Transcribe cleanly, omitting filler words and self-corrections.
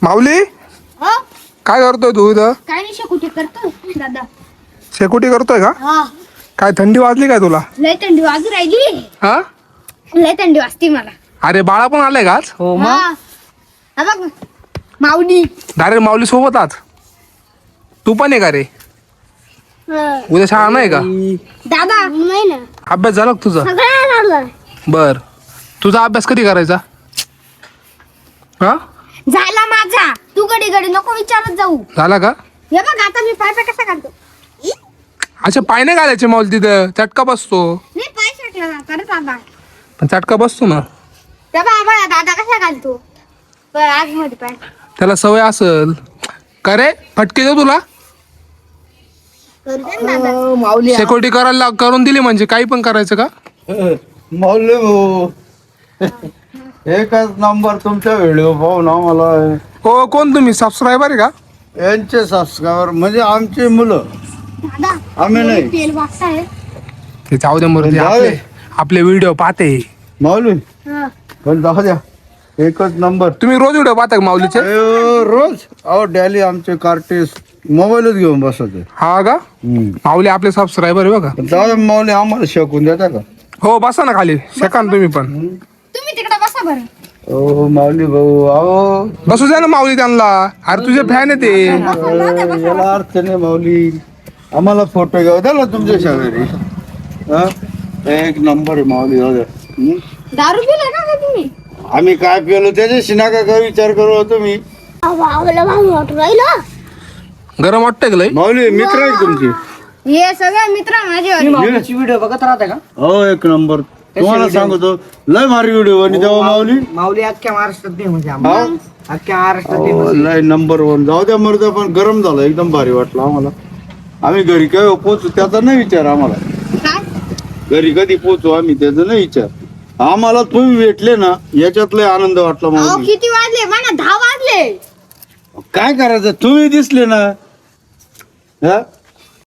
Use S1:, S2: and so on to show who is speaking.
S1: माऊली
S2: हो
S1: काय करतोय तू इथं?
S2: काय नाही शेकुटी करतो दादा.
S1: शेकोटी करतोय का?
S2: हा
S1: काय थंडी वाजली काय तुला?
S2: लय थंडी वाजू राहिली.
S1: हा
S2: लय थंडी वाजते मला.
S1: अरे बाळा पण आलाय का आज?
S3: हो
S2: हा हा बघ माऊली.
S1: डायरेक्ट माऊली सोबत आज तू पण आहे का रे? उद्या शाळा नाही का?
S2: दादा नाही ना
S1: अभ्यास झाला का तुझा?
S2: सगळं झालं.
S1: बर तुझा अभ्यास कधी करायचा? हा
S2: झाला माझा. तू घडी घडी नको विचारत जाऊ.
S1: झाला का?
S2: हे बघ आता मी पाय पाय कसा काढतो.
S1: अच्छा पाय नाही घालायचे माऊली तिथं चटका बसतो.
S2: नाही पाय टाकला जाता रे दादा.
S1: पण चटका बसतो ना.
S2: त्या बाबा दादा कसा घालतो आज मध्ये पाय.
S1: त्याला सवय असल का रे? फटके देऊ तुला?
S2: करू दे ना दादा.
S3: माऊली
S1: शेकोटी करायला करून दिली म्हणजे काही पण करायचं का?
S4: मौली भाऊ एकच नंबर तुमच्या व्हिडिओ पाहून आम्हाला
S1: हो कोण तुम्ही सबस्क्रायबर आहे का?
S4: यांचे सबस्क्रायबर म्हणजे आमची मुलं
S2: दादा
S4: आम्ही नाही.
S2: तेल वाजताय.
S1: ते जाऊ दे मरू दे.
S4: जाऊ दे.
S1: आपले व्हिडिओ पाहते.
S4: माऊली
S2: हा.
S4: पण जाऊ द्या एकच नंबर
S1: तुम्ही रोज व्हिडिओ पाहता का माऊलीचे?
S4: रोज अहो डॅली आमचे कार्टिस्ट मोबाईलच घेऊन बसत
S1: हा का? माऊली आपले सबस्क्रायबर आहे बघा.
S4: जाऊ द्या माऊली आम्हाला शिकून देता का?
S1: हो बसा ना खाली शेका ना तुम्ही पण.
S2: तुम्ही तिकडे बसा बरं.
S4: ओ माऊली भाऊ अहो
S1: बसू द्या ना माऊली त्यांना. अरे तुझे फॅन आहे ते.
S4: याला अर्थ नाही माऊली आम्हाला फोटो घेऊ द्या ना तुमच्या शेजारी हा? एक नंबर आहे माऊली जाऊ द्या
S2: दारू पिले का ग तुम्ही?
S4: आम्ही काय पिलो त्याच्याशी नका का विचार करू तुम्ही
S1: गरम वाटतंय का लय?
S4: माऊली मित्र आहे तुमचे
S2: हे सगळे मित्र माझे.
S3: माऊलीची व्हिडिओ बघत राहते का?
S4: हो एक नंबर तुम्हाला सांगतो लय भारी व्हिडिओ आणि तेव्हा माऊली
S3: माऊली अख्ख्या महाराष्ट्रात नाही म्हणजे
S4: हा?
S3: आम्हाला अख्ख्या महाराष्ट्रात नाही
S4: हो,
S3: म्हणजे.
S4: लय नंबर वन जाऊ द्या मर्द पण गरम झालं एकदम भारी वाटलं आम्हाला आम्ही घरी काय पोचू त्याचा नाही विचार आम्हाला
S2: काय
S4: घरी कधी पोचू आम्ही त्याचा नाही विचार आम्हाला तुम्ही भेटले ना याच्यात लय आनंद वाटला
S2: अहो
S4: माऊली
S2: किती वाजले मला 10 वाजले.
S4: काय करायचं तुम्ही दिसले ना हा